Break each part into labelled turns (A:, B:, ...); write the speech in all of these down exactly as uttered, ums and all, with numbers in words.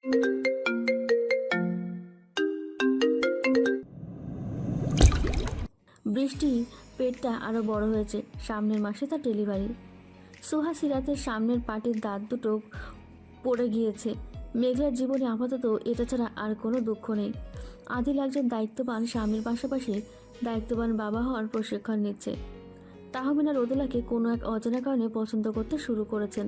A: বৃষ্টি পেটটা আরো বড় হয়েছে। সামনের মাসে তার ডেলিভারি। সোহা সিরাতের সামনের পাটির দাঁত দুটো পড়ে গিয়েছে। মেঘলার জীবনে আপাতত এটা ছাড়া আর কোনো দুঃখ নেই। আদিল একজন দায়িত্ববান স্বামীর পাশাপাশি দায়িত্ববান বাবা হওয়ার প্রশিক্ষণ নিচ্ছে। তাহমিনা রোদেলাকে কোনো এক অজানা কারণে পছন্দ করতে শুরু করেছেন।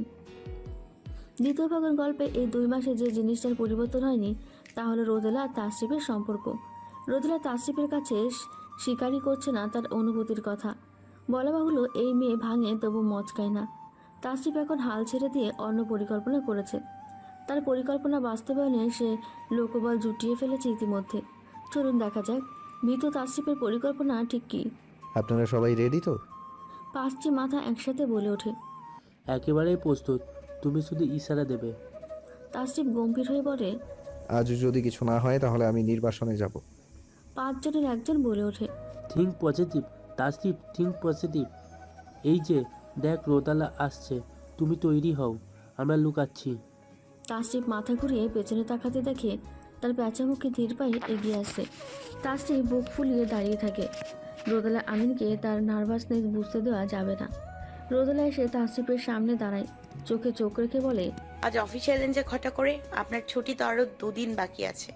A: দ্বিতীয় ভাগের গল্পে এই দুই মাসে যে জিনিসটার পরিবর্তন হয়নি তা হলো রোদেলা আর তাসরিফের সম্পর্ক। রোদেলা তাসরিফের কাছে স্বীকারই করছে না তার অনুভূতির কথা। বলা বাহুল্য এই মেয়ে ভাঙে তবু মচকায় না। তাসরিফ এখন হাল ছেড়ে দিয়ে অন্য পরিকল্পনা করেছে। তার পরিকল্পনা বাস্তবায়নে সে লোকবল জুটিয়ে ফেলেছে ইতিমধ্যে। চলুন দেখা যাক ভীত তাসরিফের পরিকল্পনা ঠিক কী।
B: আপনারা সবাই রেডি তো?
A: পাঁচটি মাথা একসাথে বলে ওঠে।
C: একেবারেই প্রস্তুত, তুমি শুধু ইশারা দেবে।
A: তাসরিফ গম্ভীর হয়ে বলে,
B: আজ যদি কিছু না হয় তাহলে আমি নির্বাসনে যাব।
A: পাঁচজনের একজন বলে ওঠে,
C: think positive Tasrif, think positive. এই যে দেখ রোদালা আসছে, তুমি তৈরি হও, আমরা লুকাচ্ছি।
A: তাসরিফ মাথা ঘুরিয়ে পেছনে তাকাতে দেখে তার প্যাঁচামুখে ধীর পায়ে এগিয়ে আসে। তাসরিফ বুক ফুলিয়ে দাঁড়িয়ে থাকে। রোদেলা আমিনকে তার নার্ভাসনেস বুঝতে দেওয়া যাবে না। রোদেলা এসে তাসরিফের সামনে দাঁড়ায়, চোখে চোখ রেখে বলে,
D: আজ অফিসে এলেন যে ঘটা করে, আপনার ছুটি তো আরো দুদিন বাকি আছে।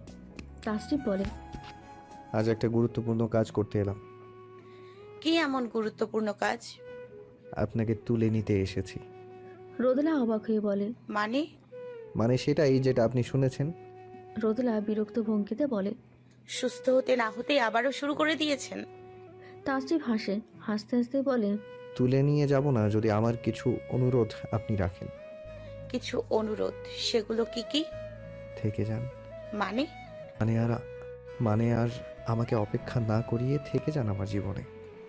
A: তাসরিফ বলে,
B: আজ একটা গুরুত্বপূর্ণ কাজ করতে এলাম।
D: কি এমন গুরুত্বপূর্ণ কাজ?
B: আপনাকে তুলে নিতে এসেছি।
A: রোদেলা অবাক হয়ে বলে,
D: মানে?
B: মানে সেটাই যেটা আপনি শুনেছেন।
A: রোদেলা বিরক্ত ভঙ্গিতে বলে,
D: সুস্থ হতে না হতে আবারও শুরু করে দিয়েছেন?
A: তাসরিফ হাসে, হাসতে হাসতে বলে,
B: তুলে নিয়ে যাব না যদি আমার কিছু অনুরোধ আপনি রাখেন।
D: কিছু অনুরোধ? সেগুলো কি কি?
B: থেকে যান।
D: মানে?
B: মানে আর মানে আর আমাকে অপেক্ষা না করিয়ে থেকে যান আমার জীবনে।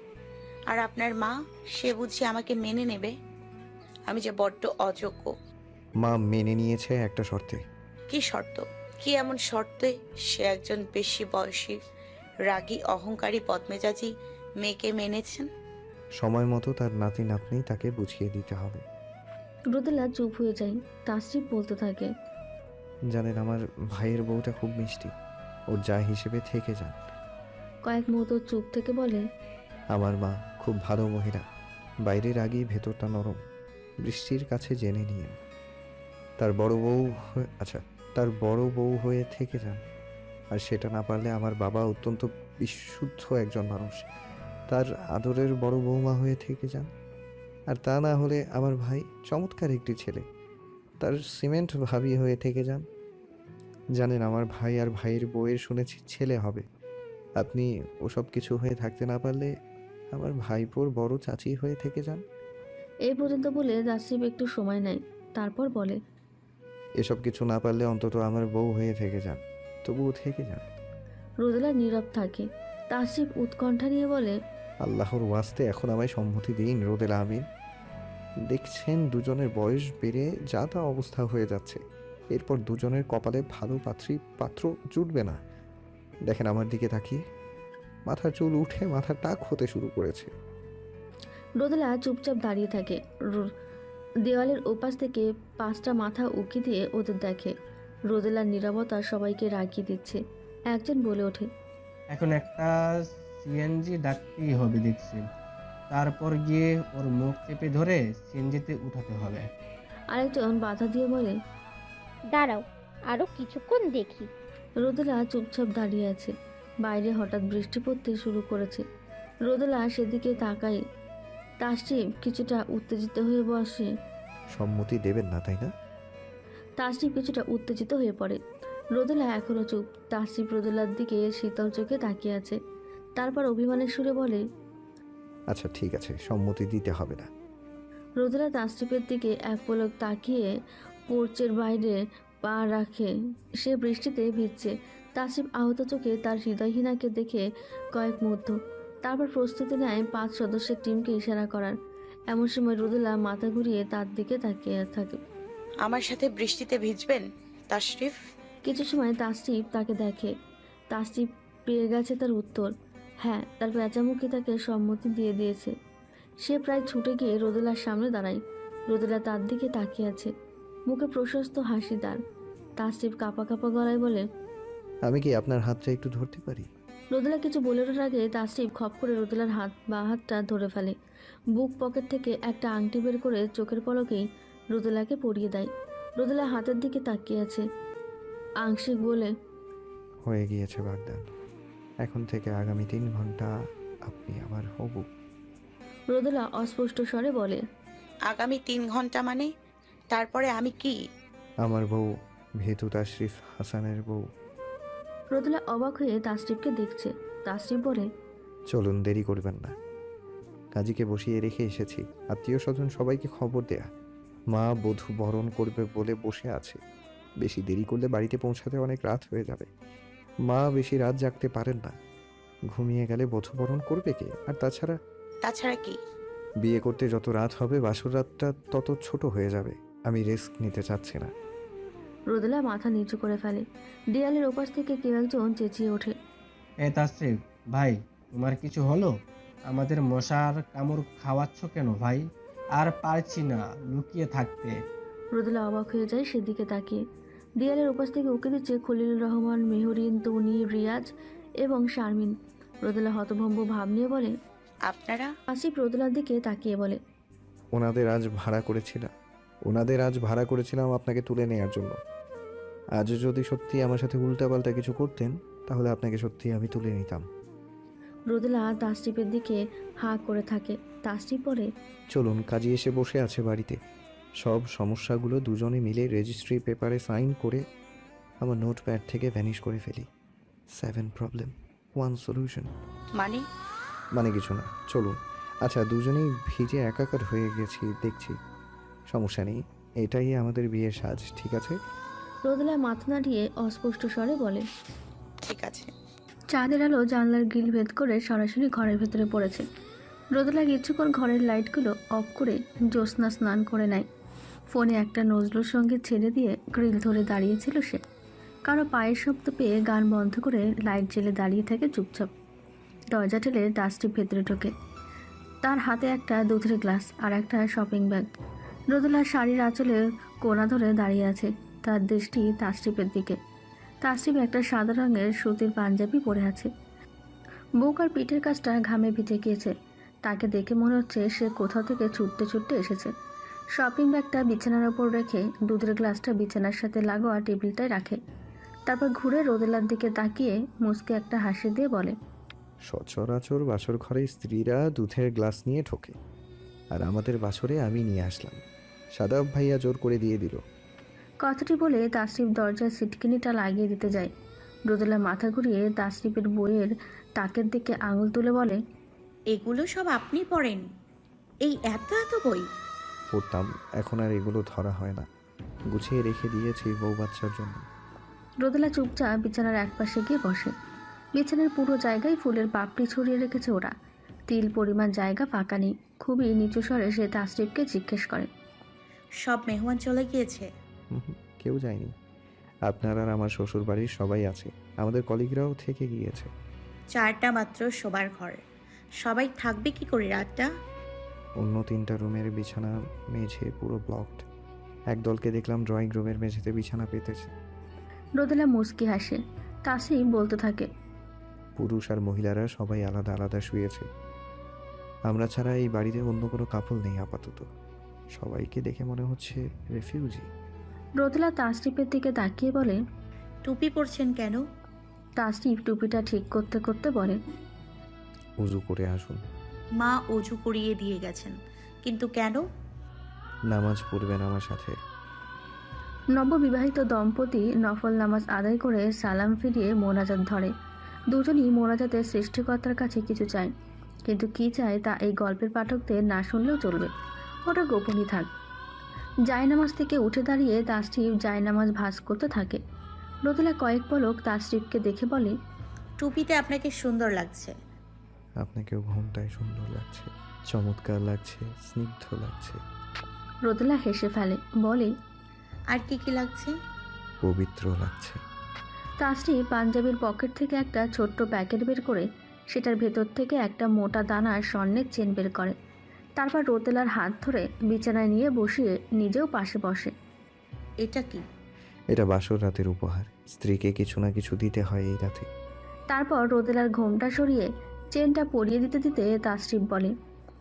D: আর আপনার মা, সে বুঝি আমাকে মেনে নেবে? আমি যে বড্ড অযোগ্য।
B: মা মেনে নিয়েছে একটা শর্তে।
D: কি শর্ত? কি এমন শর্তে সে একজন বেশি বয়সী, রাগী, অহংকারী, বদমেজাজি মেয়েকে মেনেছেন?
B: সময় মতো তার নাতি নাতনি তাকে বুঝিয়ে দিতে হবে।
A: রোদেলা চুপ হয়ে যায়। তাসরিফ বলতে থাকে,
B: জানেন আমার ভাইয়ের বউটা খুব মিষ্টি, ওর যা হিসেবে থেকে যান।
A: কয়েক মুহূর্ত চুপ থেকে বলে,
B: আমার মা খুব ভালো মহিলা, বাইরের আগেই ভেতরটা নরম। বৃষ্টির কাছে জেনে নিয়েন। তার বড় বউ হয়ে- আচ্ছা তার বড় বউ হয়ে থেকে যান। আর সেটা না পারলে আমার বাবা অত্যন্ত বিশুদ্ধ একজন মানুষ, তার আদরের বড় বৌমা হয়ে থেকে যান। আর তা না হলে আমার ভাই চমৎকার একটি ছেলে, তার সিমেন্ট ভাবি হয়ে থেকে যান। জানেন আমার ভাই আর ভাইয়ের বউয়ের শুনেছি ছেলে হবে। আপনি ওসব কিছু হয়ে থাকতে না পারলে আমার ভাইপোর বড় চাচি হয়ে থেকে যান।
A: এই পর্যন্ত বলে তাসরিফ একটু সময় নেয়, তারপর বলে,
B: এসব কিছু না পারলে অন্তত আমার বউ হয়ে থেকে যান, তবুও থেকে যান।
A: রোদেলা নীরব থাকে। তাসরিফ উৎকণ্ঠা নিয়ে বলে,
B: আল্লাহর ওয়াস্তে এখন আমায় সম্মতি দিন রোদেলা আমিন। দেখছেন দুজনের বয়স বেড়ে যা তা অবস্থা হয়ে যাচ্ছে, এরপর দুজনের কপালে ভালো পাত্রী পাত্র জুটবে না। দেখেন আমার দিকে তাকিয়ে, মাথার চুল উঠে মাথার টাক হতে শুরু করেছে।
A: রোদেলা চুপচাপ দাঁড়িয়ে থাকে। রো- দেওয়ালের ওপাশ থেকে পাঁচটা মাথা উকি দিয়ে ওদের দেখে। রোদেলার নীরবতা সবাইকে রাগিয়ে দিচ্ছে। একজন বলে ওঠে,
E: এখন একটা সিএনজি ডাকতেই হবে দেখছি, তারপর গিয়ে ওর মুখ চেপে ধরে সিএনজিতে উঠাতে হবে।
A: আরেকজন বাধা দিয়ে বলে,
F: দাঁড়াও, আরো কিছুক্ষণ দেখি।
A: রোদেলা চুপচাপ দাঁড়িয়ে আছে। বাইরে হঠাৎ বৃষ্টি পড়তে শুরু করেছে। রোদেলা সেদিকে তাকায়। তাসরিফ কিছুটা উত্তেজিত হয়ে বসে।
B: সম্মতি দেবেন না তাই না?
A: তাসরিফ কিছুটা উত্তেজিত হয়ে পড়ে। রোদেলা এখনো চুপ। তাসরিফ রোদেলার দিকে শীতল চোখে তাকিয়ে আছে। তারপর অভিমানের সুরে বলে,
B: আচ্ছা ঠিক আছে, সম্মতি দিতে হবে না।
A: রোদেলা তাসরিফের দিকে এক পলক তাকিয়ে পোর্চের বাইরে পা রাখে। সে বৃষ্টিতে ভিজছে। তাসরিফ আহত চোখে তার হৃদয়হীনাকে দেখে কয়েক মুহূর্ত, তারপর প্রস্তুতি নেয় পাঁচ সদস্যের টিমকে ইশারা করার। এমন সময় রোদেলা মাথা ঘুরিয়ে তার দিকে তাকিয়ে থাকে।
D: আমার সাথে বৃষ্টিতে ভিজবেন তাশরিফ?
A: কিছু সময় তাসরিফ তাকে দেখে। তাসরিফ পেয়ে গেছে তার উত্তর। হ্যাঁ, তার পেঁচামুখী তাকে সম্মতি দিয়ে দিয়েছে। সে প্রায় ছুটে গিয়ে রোদেলার সামনে দাঁড়ায়। রোদেলা তার দিকে তাকিয়ে আছে, মুখে প্রশস্ত হাসি তার। তাসরিফ কাঁপা কাঁপা গলায় বলে,
B: আমি কি আপনার হাতটা একটু ধরতে পারি?
A: রোদেলা কিছু বলে ওঠার আগে তাসরিফ খপ করে রোদেলার হাত বা হাতটা ধরে ফেলে। বুক পকেট থেকে একটা আংটি বের করে চোখের পলকেই রোদেলাকে পরিয়ে দেয়। রোদেলা হাতের দিকে তাকিয়ে আছে, আংশিক বলে,
B: হয়ে গিয়েছে বাগদান। এখন থেকে আগামী তিন ঘন্টা আপনি আমার হবু।
A: রোদেলা অস্পষ্ট স্বরে বলে,
D: আগামী তিন ঘন্টা মানে? তারপরে আমি কি?
B: আমার বউ, ভেতু তাশরিফ হাসানের বউ।
A: রোদেলা অবাক হয়ে তাসরিফকে দেখছে। তাসরিফ বলে,
B: চলুন, দেরি করবেন না। কাজীকে বসিয়ে রেখে এসেছি, আত্মীয় স্বজন সবাইকে খবর দেয়া। মা বধূ বরণ করবে বলে বসে আছে। বেশি দেরি করলে বাড়িতে পৌঁছাতে অনেক রাত হয়ে যাবে। মা বেশি রাত জাগতে পারেন না। ঘুমিয়ে গেলে বধূ বরণ করবে কে? আর তাছাড়া
D: তাছাড়া কি?
B: বিয়ে করতে যত রাত হবে বাসর রাতটা তত ছোট হয়ে যাবে। আমি রিস্ক নিতে চাচ্ছি না।
A: রোদেলা মাথা নিচু করে ফেলে। দেয়ালের ওপাশ থেকে কেউ একজন চেঁচিয়ে ওঠে,
E: এ তাসরিফ ভাই, তোমার কিছু হলো? আমাদের মশার কামড় খাওয়াচ্ছ কেন ভাই? আর পারছি না লুকিয়ে থাকতে।
A: রোদেলা অবাক হয়ে যায় সেদিকে তাকিয়ে। দেয়ালের ওপাশ থেকে উঁকি দিচ্ছে খলিলুর রহমান, মেহরিন, তনি, রিয়াজ এবং শারমিন। রোদেলা হতভম্ব ভাব নিয়ে বলে,
D: আপনারা?
A: আসিফ রোদেলার দিকে তাকিয়ে বলে,
B: ওনাদের আজ ভাড়া করেছিলাম ওনাদের আজ ভাড়া করেছিলাম আপনাকে তুলে নেয়ার জন্য। আজ যদি সত্যি আমার সাথে উল্টাপাল্টা কিছু করতেন তাহলে আপনাকে সত্যি আমি তুলে নিতাম।
A: রোদেলা তাসরিফের দিকে হাঁ করে থাকে। তাসরিফ বলে,
B: চলুন, কাজী এসে বসে আছে বাড়িতে। সব সমস্যাগুলো দুজনে মিলে রেজিস্ট্রি পেপারে সাইন করে আমার নোটপ্যাড থেকে ভ্যানিশ করে ফেলি। Seven problem, one solution.
D: মানে?
B: মানে কিছু না, চলুন। আচ্ছা, দুজনেই ভিজে একাকার হয়ে গেছি দেখছি। সমস্যা নেই, এটাই আমাদের বিয়ের সাজ, ঠিক আছে?
A: রোদেলা মাথা নাড়িয়ে অস্পষ্ট স্বরে বলে,
D: ঠিক আছে।
A: চাঁদের আলো জানলার গ্রিল ভেদ করে সরাসরি ঘরের ভেতরে পড়েছে। রোদেলা কিছুক্ষণ ঘরের লাইটগুলো অফ করে জ্যোৎস্না স্নান করে নেয়। ফোনে একটা নজরুল সঙ্গীত ছেড়ে দিয়ে গ্রিল ধরে দাঁড়িয়েছিল সে। কারো পায়ের শব্দ পেয়ে গান বন্ধ করে লাইট জেলে দাঁড়িয়ে থাকে চুপচাপ। দরজা ঠেলে তাসরিফ ভেতরে ঢোকে। তার হাতে একটা দুধের গ্লাস আর একটা শপিং ব্যাগ। রোদেলা শাড়ির আঁচলে কোনা ধরে দাঁড়িয়ে আছে, তার দৃষ্টি তাসরিফের দিকে। তাসরিফ একটা সাদা রঙের সুতির পাঞ্জাবি পরে আছে। বুক আর পিঠের কাছটা ঘামে ভিজে গিয়েছে। তাকে দেখে মনে হচ্ছে সে কোথাও থেকে ছুটতে ছুটতে এসেছে। শপিং ব্যাগটা বিছানার ওপর রেখে দুধের গ্লাসটা বিছানার সাথে লাগোয়া টেবিলটায় রাখে। তারপর ঘুরে রোদেলার দিকে তাকিয়ে মুচকে একটা হাসি দিয়ে বলে,
B: সচরাচর বাসর ঘরে স্ত্রীরা দুধের গ্লাস নিয়ে ঠোকে, আর আমাদের বাসরে আমি নিয়ে আসলাম। সাদাব ভাইয়া জোর করে দিয়ে দিল।
A: কথাটি বলে তাসরিফ দরজার সিটকিনিটা লাগিয়ে দিতে যায়। রোদেলা মাথা ঘুরিয়ে তাসরিফের বইয়ের তাকের দিকে আঙুল তুলে বলে,
D: এগুলো সব আপনি পড়েন? এই এত এত বই?
B: পড়তাম, এখন আর এগুলো ধরা হয় না। গুছিয়ে রেখে দিয়েছি বউ বাচ্চার জন্য।
A: রোদেলা চুপচাপ বিছানার একপাশে গিয়ে বসে। বিছানার পুরো জায়গায় ফুলের পাপড়ি ছড়িয়ে রেখেছে ওরা। তিল পরিমাণ জায়গা ফাঁকা নেই। খুবই নিচু স্বরে সে তাসরিফকে জিজ্ঞেস করে,
D: সব মেহমান চলে গিয়েছে?
B: হুম হুম, কেউ যায়নি। আপনার আর আমার শ্বশুর বাড়ির সবাই আছে, আমাদের কলিগরাও থেকে গিয়েছে।
D: চারটা মাত্র শোবার ঘর, সবাই থাকবে কি করে রাতটা?
B: অন্য তিনটা রুমের বিছানা মেঝে পুরো ব্লকড। একদলকে দেখলাম ড্রয়িং রুমের মেঝেতে বিছানা পেতেছে।
A: রোদেলা মুচকি হাসে। তাসরিফ বলতে থাকে,
B: পুরুষ আর মহিলারা সবাই আলাদা আলাদা শুয়েছে। আমরা ছাড়া এই বাড়িতে অন্য কোনো কাপল নেই আপাতত। সবাইকে দেখে মনে হচ্ছে রেফিউজি।
A: রোদেলা তাসরিফের দিকে তাকিয়ে বলে,
D: টুপি পরছেন কেন?
A: তাসরিফ টুপিটা ঠিক করতে করতে বলে,
B: উজু করে আসুন।
D: মা অজু করিয়ে দিয়ে গেছেন, কিন্তু কেন?
B: নামাজ পড়বেন আমার সাথে।
A: নববিবাহিত দম্পতি নফল নামাজ আদায় করে সালাম ফিরিয়ে মোনাজাত ধরে। দুজনই মোনাজাতের সৃষ্টিকর্তার কাছে কিছু চায়, কিন্তু কী চায় তা এই গল্পের পাঠকদের না শুনলেও চলবে, ওটা গোপনই থাক। জায়নামাজ থেকে উঠে দাঁড়িয়ে তাসরিফ জায়নামাজ ভাঁজ করতে থাকে। রোদেলা কয়েক পলক তাসরিফকে দেখে বলে,
D: টুপিতে আপনাকে সুন্দর লাগছে।
B: আপনাকেও ঘুমটায় সুন্দর লাগছে, চমৎকার লাগছে, স্নিগ্ধ লাগছে।
A: রোদেলা হেসে ফেলে, বলে,
D: আর কি কি লাগছে?
B: পবিত্র লাগছে।
A: তাসরিফ পাঞ্জাবির পকেট থেকে একটা ছোট্ট প্যাকেট বের করে সেটার ভেতর থেকে একটা মোটা দানার স্বর্ণের চেন বের করে। তারপর রোদেলার হাত ধরে বিছানায় নিয়ে বসিয়ে নিজেও পাশে বসে।
D: এটা কি?
B: এটা বাসর রাতের উপহার। স্ত্রীকে কিছু না কিছু দিতে হয় এই রাতে।
A: তারপর রোদেলার ঘোমটা সরিয়ে চেনটা পরিয়ে দিতে দিতে তাসরিফ বলে,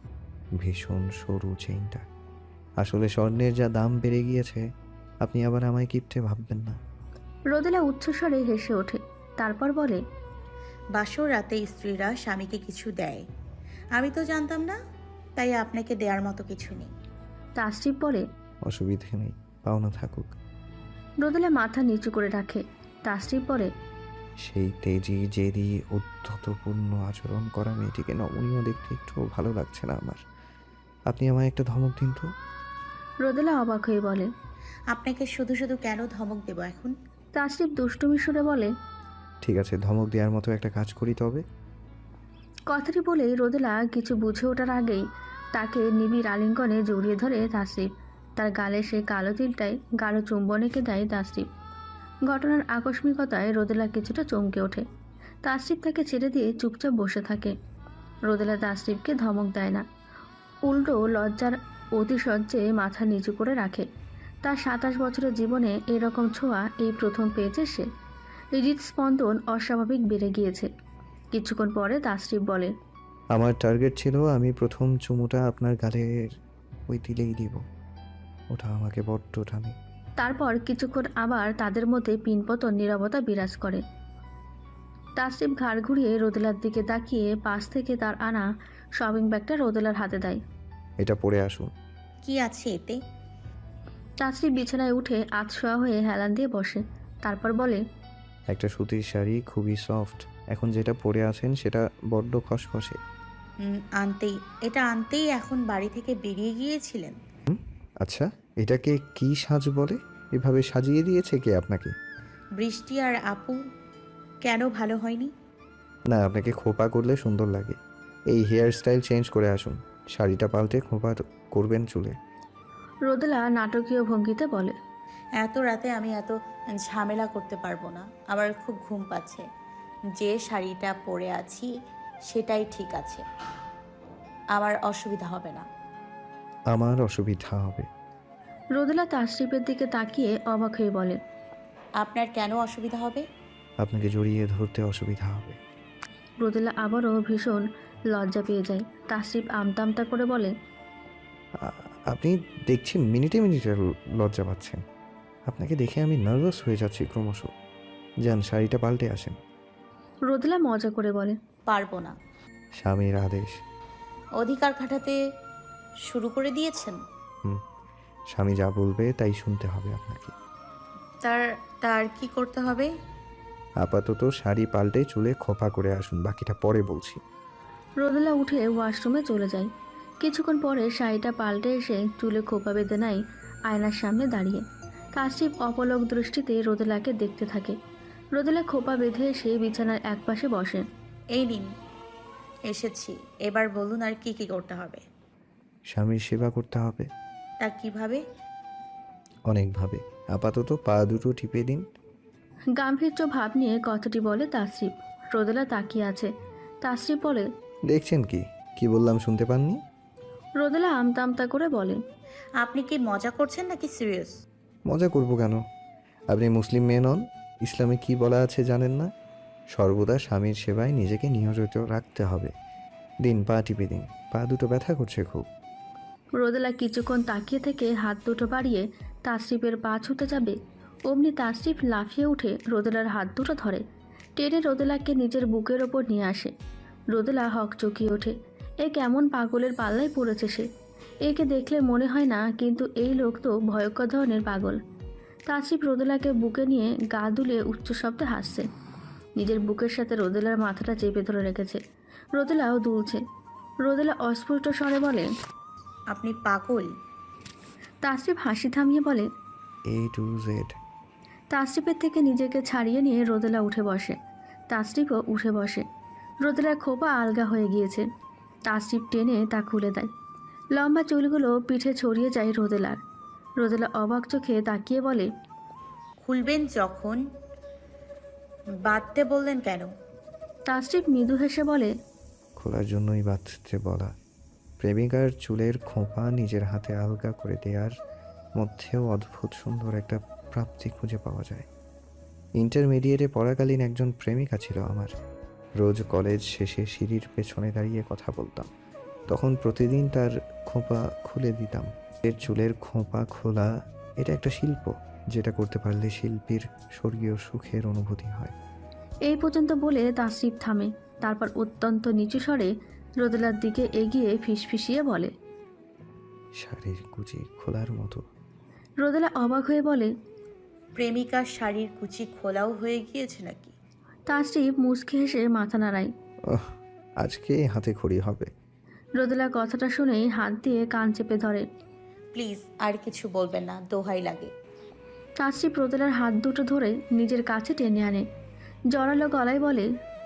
B: ভীষণ সরু চেইনটা। আসলে স্বর্ণের যা দাম বেড়ে গিয়েছে, আপনি আবার আমায় কিপটে ভাববেন না।
A: রোদেলা উচ্চস্বরে হেসে ওঠে, তারপর বলে,
D: বাসর রাতে স্ত্রীরা স্বামীকে কিছু দেয়, আমি তো জানতাম না, তাই আপনাকে দেওয়ার মতো কিছু নেই।
A: তাসরিফ বলে,
B: অসুবিধে নেই, পাওনা থাকুক।
A: রোদেলা মাথা নিচু করে রাখে। তাসরিফ বলে,
B: সেই তেজি জেদি উদ্ধতপূর্ণ আচরণ করা মেয়েটিকে নমনীয় দেখতে একটুও ভালো লাগছে না আমার। আপনি আমায় একটা ধমক দিন তো।
A: রোদেলা অবাক হয়ে বলে,
D: আপনাকে শুধু শুধু কেন ধমক দেব এখন?
A: তাসরিফ দুষ্টুমি সুরে বলে,
B: ঠিক আছে, ধমক দেওয়ার মতো একটা কাজ করি তবে।
A: কথাটি বলেই রোদেলা কিছু বুঝে ওঠার আগেই তাকে নিবিড় আলিঙ্গনে জড়িয়ে ধরে তাসরিফ। তার গালে সে কালো তিলটায় গাঢ় চুম্বন এঁকে দেয় তাসরিফ। ঘটনার আকস্মিকতায় রোদেলা কিছুটা চমকে ওঠে। তাসরিফ তাকে ছেড়ে দিয়ে চুপচাপ বসে থাকে। রোদেলা তাসরিফকে ধমক দেয় না, উল্টো লজ্জার অতিশয্যে মাথা নিচু করে রাখে। তার সাতাশ বছরের জীবনে এরকম ছোঁয়া এই প্রথম পেয়েছে সে। হৃদস্পন্দন অস্বাভাবিক বেড়ে গিয়েছে। কিছুক্ষণ পরে তাসরিফ বলে,
B: আমার টার্গেট ছিল আমি প্রথম চুমুটা আপনার গালের ওই দিলেই দিব। ওটা আমাকে বড্ড টানে।
A: তারপর কিছুক্ষণ আবার তাদের মধ্যে পিনপতন নীরবতা বিরাজ করে। তাসরিফ ঘাড় ঘুরিয়ে রোদেলার দিকে তাকিয়ে পাশ থেকে তার আনা শপিং ব্যাগটা রোদেলার হাতে দেয়।
B: এটা পরে আসুন।
D: কি আছে এতে?
A: তাসরিফ বিছানায় উঠে আতশোয়া হয়ে হেলান দিয়ে বসে, তারপর বলে,
B: একটা সুতির শাড়ি, খুবই সফট। এখন যেটা পরে আছেন সেটা বড্ড খসখসে।
D: হুম, আনতেই এটা আনতেই এখন বাড়ি থেকে বেরিয়ে গিয়েছিলেন?
B: আচ্ছা, এটাকে কি সাজ বলে? এভাবে সাজিয়ে দিয়েছে কে আপনাকে?
D: বৃষ্টি আর আপু। কেন ভালো হয়নি?
B: না, আপনাকে খোপা করলে সুন্দর লাগে। এই হেয়ার স্টাইল চেঞ্জ করে আসুন। শাড়িটা পাল্টে খোপা করবেন চুলে।
A: রোদেলা নাটকীয় ভঙ্গিতে বলে,
D: এত রাতে আমি এত ঝামেলা করতে পারবো না, আমার খুব ঘুম পাচ্ছে। যে শাড়িটা পরে আছি সেটাই ঠিক আছে, আমার অসুবিধা হবে না।
B: আমার অসুবিধা হবে।
A: রোদেলা তাসরিফের দিকে তাকিয়ে অবাক হয়ে বলে,
D: আপনার কেন অসুবিধা হবে?
B: আপনাকে জড়িয়ে ধরতে অসুবিধা হবে।
A: রোদেলা আবারও ভীষণ লজ্জা পেয়ে যায়। তাসরিফ আমতা আমতা করে বলে,
B: আ- আপনি দেখছি মিনিটে মিনিটে ল- লজ্জা পাচ্ছেন। আপনাকে দেখে আমি নার্ভাস হয়ে যাচ্ছি ক্রমশ। যান, শাড়িটা পাল্টে আসেন।
A: রোদেলা মজা করে বলে,
D: পারবো না।
B: স্বামীর আদেশ।
D: অধিকার খাটাতে শুরু করে দিয়েছেন?
B: হুম, স্বামী যা বলবে তাই শুনতে হবে আপনাকে।
D: তার তার কি করতে হবে?
B: আপাতত শাড়ি পাল্টে চুলে খোপা করে আসুন, বাকিটা পরে বলছি।
A: রোদেলা উঠে ওয়াশরুমে চলে যায়। কিছুক্ষণ পরে শাড়িটা পাল্টে এসে চুলে খোপা বেঁধে নেয় আয়নার সামনে দাঁড়িয়ে। তাসরিফ অপলক দৃষ্টিতে রোদেলাকে দেখতে থাকে। রোদেলা খোপা বেঁধে এসে বিছানার একপাশে বসে।
D: এই নিন, এসেছি, এবার বলুন আর কি কি করতে হবে?
B: স্বামীর সেবা করতে হবে
D: তা কিভাবে?
B: অনেকভাবে। আপাতত পা দুটো টিপে দিন।
A: গাম্ভীর্য ভাব নিয়ে কথাটি বলে তাসরিফ। রোদেলা তাকিয়ে আছে। তাসরিফ বলে,
B: দেখছেন কি কি বললাম, শুনতে পাননি?
A: রোদেলা আমতা আমতা করে বলে,
D: আপনি কি মজা করছেন নাকি সিরিয়াস?
B: মজা করব কেন? আপনি মুসলিম মেয়ে নন? ইসলামে কি বলা আছে জানেন না? সর্বদা স্বামীর সেবায় নিজেকে নিয়োজিত রাখতে হবে। দিন, পা টিপে দিন। পা দুটো ব্যথা করছে খুব।
A: রোদেলা কিছুক্ষণ তাকিয়ে থেকে হাত দুটো বাড়িয়ে তাসরিফের পা ছুতে যাবে, অমনি তাসরিফ লাফিয়ে উঠে রোদেলার হাত দুটো ধরে টেনে রোদেলাকে নিজের বুকের ওপর নিয়ে আসে। রোদেলা হক চকিয়ে ওঠে। এ কেমন পাগলের পাল্লায় পড়েছে সে। একে দেখলে মনে হয় না, কিন্তু এই লোক তো ভয়ঙ্কর ধরনের পাগল। তাসরিফ রোদেলাকে বুকে নিয়ে গা দুলিয়ে উচ্চ শব্দে হাসছে। নিজের বুকের সাথে রোদেলার মাথাটা চেপে ধরে রেখেছে। রোদেলাও দুলছে। রোদেলা অস্ফুট স্বরে বলে,
D: আপনি পাগল?
A: তাসরিফ হাসি থামিয়ে বলে,
B: এ টু জেড।
A: তাসরিফের থেকে নিজেকে ছাড়িয়ে নিয়ে রোদেলা উঠে বসে। তাসরিফও উঠে বসে। রোদেলার খোপা আলগা হয়ে গিয়েছে। তাসরিফ টেনে তা খুলে দেয়। লম্বা চুলগুলো পিঠে ছড়িয়ে যায় রোদেলার। রোদেলা অবাক চোখে তাকিয়ে বলে,
D: খুলবেন যখন বাঁধতে বললেন কেন?
A: তাসরিফ মৃদু হেসে বলে,
B: খোলার জন্যই বাঁধতে বলা। প্রেমিকার চুলের খোঁপা নিজের হাতে আলগা করে দেওয়ার মধ্যেও অদ্ভুত সুন্দর একটা প্রাপ্তি খুঁজে পাওয়া যায়। ইন্টারমিডিয়েটে পড়াকালীন একজন প্রেমিকা ছিল আমার। রোজ কলেজ শেষে সিঁড়ির পেছনে দাঁড়িয়ে কথা বলতাম। তখন প্রতিদিন তার খোঁপা খুলে দিতাম। এর চুলের খোঁপা খোলা এটা একটা শিল্প, যেটা করতে পারলে শিল্পীর স্বর্গীয় সুখের অনুভূতি হয়।
A: এই পর্যন্ত বলে তাসরিফ থামে, তারপর অত্যন্ত নিচু স্বরে রোদেলার দিকে এগিয়ে ফিসফিসিয়ে বলে।
B: শাড়ির কুচি খোলার মতো।
A: রোদেলা অবাক হয়ে বলে,
D: প্রেমিকার শাড়ির কুচি খোলাও হয়ে গিয়েছে নাকি?
A: তাসরিফ মুচকে হেসে মাথা নাড়ায়।
B: ওহ, আজকে হাতে খড়ি হবে।
A: রোদেলা কথাটা শুনেই হাত দিয়ে কান চেপে ধরে।
D: প্লিজ আর কিছু বলবেন না, দোহাই লাগে।
A: তাসরিফ রোদেলার হাত দুটো ধরে নিজের কাছে টেনে আনে, জড়ালো গলায় বলে।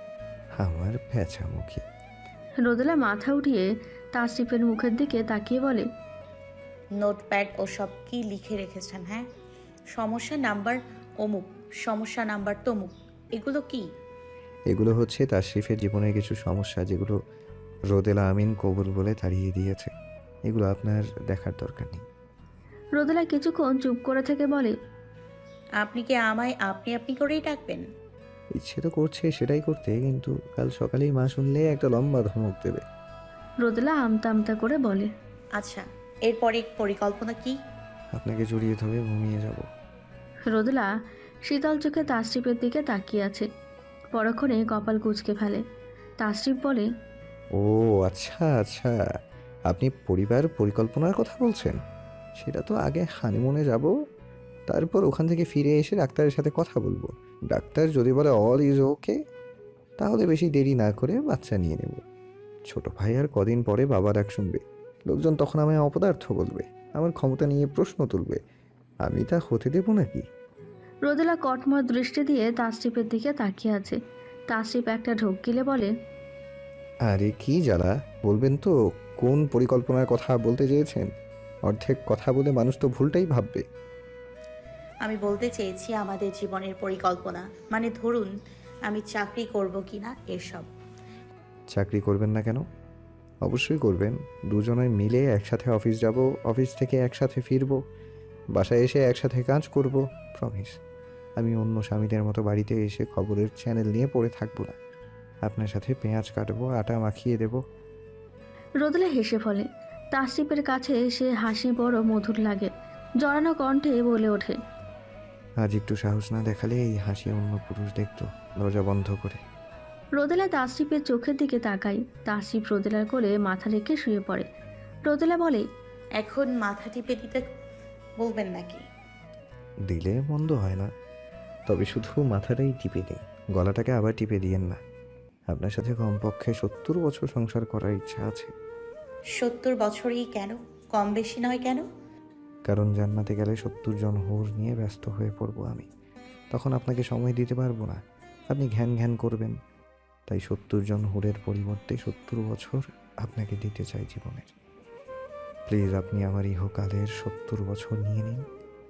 B: আমার প্যাঁচামুখী।
A: রোদেলা মাথা উঠিয়ে তাসরিফের মুখের দিকে তাকিয়ে বলে,
D: নোটপ্যাড ও সব কি লিখে রেখেছেন? হ্যাঁ, সমস্যা নাম্বার অমুক, সমস্যা নাম্বার তমুক, এগুলো কি?
B: এগুলো হচ্ছে তাশরিফের জীবনের কিছু সমস্যা, যেগুলো রোদেলা আমিন কবুল বলে তাড়িয়ে দিয়েছে। এগুলো আপনার দেখার দরকার নেই।
A: রোদেলা কিছুক্ষণ চুপ করে থেকে বলে,
D: আপনি কি আমায় আপনি আপনি করেই ডাকবেন?
B: ইচ্ছে তো করছে সেটাই করতে, কিন্তু কাল সকালেই মা শুনলে একটা লম্বা ধমক দেবে।
A: রোদেলা আমতা আমতা করে বলে।
D: আচ্ছা, এরপরে পরিকল্পনা কি?
B: আপনাকে জড়িয়ে ধরে ঘুমিয়ে যাব।
A: রোদেলা শীতল চোখে তাসরিফের দিকে তাকিয়ে আছে, পরক্ষণে কপাল কুঁচকে ফেলে। তাসরিফ বলে,
B: ও আচ্ছা আচ্ছা, আপনি পরিবার পরিকল্পনার কথা বলছেন। সেটা তো আগে হানিমুনে যাব, তারপর ওখান থেকে ফিরে এসে ডাক্তারের সাথে কথা বলবো। ডাক্তার যদি বলে অল ইজ ওকে, তাহলে বেশি দেরি না করে বাচ্চা নিয়ে নেব। ছোট ভাই আর কদিন পরে বাবা ডাক শুনবে, লোকজন তখন আমায় অপদার্থ বলবে, আমার ক্ষমতা নিয়ে প্রশ্ন তুলবে। আমি তা হতে দেব নাকি?
A: রোদেলা কটমট দৃষ্টি দিয়ে তাসরিফের দিকে তাকিয়ে আছে। তাসরিফ একটা ঢোক গিলে বলে,
B: আরে কি জ্বালা, বলবেন তো কোন পরিকল্পনার কথা বলতে চেয়েছেন? অর্ধেক কথা বলে মানুষ তো ভুলটাই ভাববে।
D: আমি বলতে চেয়েছি আমাদের জীবনের পরিকল্পনা, মানে ধরুন আমি চাকরি করব কিনা এসব।
B: চাকরি করবেন না কেন? অবশ্যই করবেন। দুজনে মিলে একসাথে অফিস যাব, অফিস থেকে একসাথে ফিরবো, বাসায় এসে একসাথে কাজ করব। প্রমিস, আমি অন্য স্বামীদের মতো বাড়িতে এসে খবরের চ্যানেল নিয়ে পড়ে থাকবো না। আপনার সাথে পেঁয়াজ কাটবো, আটা মাখিয়ে দেব।
A: রোদেলা হেসে ফলে। তাসরিফের কাছে সে হাসি বড় মধুর লাগে, জড়ানো কণ্ঠে বলে ওঠে,
B: আজ একটু সাহস না দেখালে এই হাসি অন্য পুরুষ দেখতো দরজা বন্ধ করে।
A: রোদেলা তাসরিফের চোখের দিকে তাকায়। তাসরিফ রোদেলার কোলে মাথা রেখে শুয়ে পড়ে। রোদেলা বলে,
D: এখন মাথা টিপে দিতে বলবেন নাকি?
B: দিলে মন্দ হয় না, তবে শুধু মাথাটাই টিপে দিন, গলাটাকে আবার টিপে দিয়েন না। আপনার সাথে কমপক্ষে সত্তর বছর সংসার করার ইচ্ছা আছে।
D: সত্তর বছরই কেন? কম বেশি নয় কেন?
B: কারণ জান্নাতে গেলে সত্তর জন হুর নিয়ে ব্যস্ত হয়ে পড়ব আমি, তখন আপনাকে সময় দিতে পারবো না, আপনি ঘ্যান ঘ্যান করবেন। তাই সত্তর জন হুরের পরিবর্তে সত্তর বছর আপনাকে দিতে চাই জীবনের। প্লিজ আপনি আমার ইহকালের সত্তর বছর নিয়ে নিন।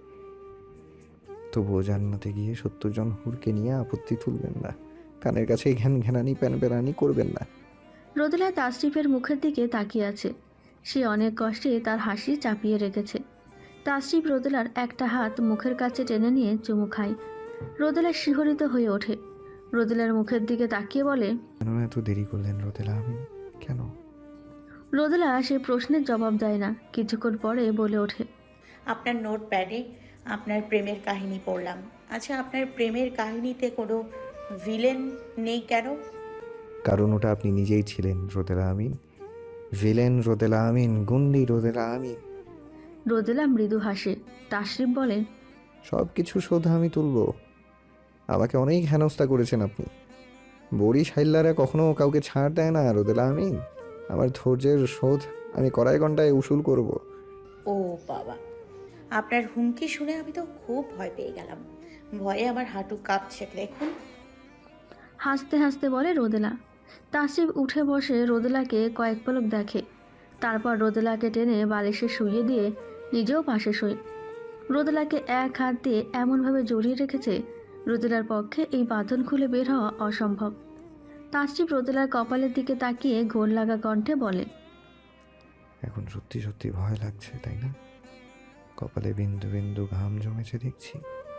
B: তবুও জান্নাতে গিয়ে সত্তর জন হুরকে নিয়ে আপত্তি তুলবেন না, কানের কাছে ঘ্যান ঘ্যানানি প্যান প্যানানি করবেন না।
A: রোদেলা তাসরিফের মুখের দিকে তাকিয়ে আছে। সে অনেক কষ্টে তার হাসি চাপিয়ে রেখেছে। তাসরিফ রোদেলার একটা হাত মুখের কাছে টেনে নিয়ে চুমু খায়। রোদেলা শিহরিত হয়ে ওঠে। রোদেলার মুখের দিকে তাকিয়ে বলে,
B: কেন এত দেরি করলেন রোদেলা আমিন, কেন?
A: রোদেলা সে প্রশ্নের জবাব দেয় না। কিছুক্ষণ পরে বলে ওঠে,
D: আপনার নোটপ্যাডে আপনার প্রেমের কাহিনী পড়লাম। আচ্ছা, আপনার প্রেমের কাহিনীতে কোনো ভিলেন নেই কেন?
B: কারণ ওটা আপনি নিজেই ছিলেন রোদেলা আমিন। ভিলেন রোদেলা আমিন, গুন্ডি রোদেলা আমিন।
A: রোদেলা মৃদু হাসে। তাসরিফ বলে,
B: সব কিছু শোধ আমি তুলব। আমাকে অনেক হেনস্থা করেছেন আপনি। বড়ি সাইল্লারা কখনো কাউকে ছাড় দেয় না রোদেলা আমিন। আমার ধৈর্যের শোধ আমি কড়াই ঘন্টায় উসুল করব।
D: ও বাবা, আপনার হুমকি শুনে আমি তো খুব ভয় পেয়ে গেলাম। ভয়ে আমার হাঁটু কাঁপছে দেখুন।
A: হাসতে হাসতে বলে রোদেলা। তাসরিফ উঠে বসে রোদেলাকে কয়েক পলক দেখে, তারপর রোদেলাকে টেনে বালিশে শুইয়ে দিয়ে নিজেও পাশে শোয়। রোদেলাকে এক হাত দিয়ে এমনভাবে জড়িয়ে রেখেছে, রোদেলার পক্ষে এই বাঁধন খুলে বের হওয়া অসম্ভব। তাসরিফ রোদেলার কপালের দিকে তাকিয়ে ঘোর লাগা কণ্ঠে বলে,
B: এখন সত্যি সত্যি ভয় লাগছে তাই না? কপালে বিন্দু বিন্দু ঘাম জমেছে দেখছি।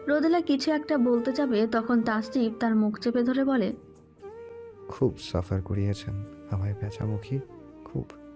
A: রোদেলা কিছু একটা বলতে যাবে তখন তাসটিপ তার মুখ চেপে ধরে বলে,
B: খুব সাফার করিয়েছেন আমায় বেচামুখী, খুব।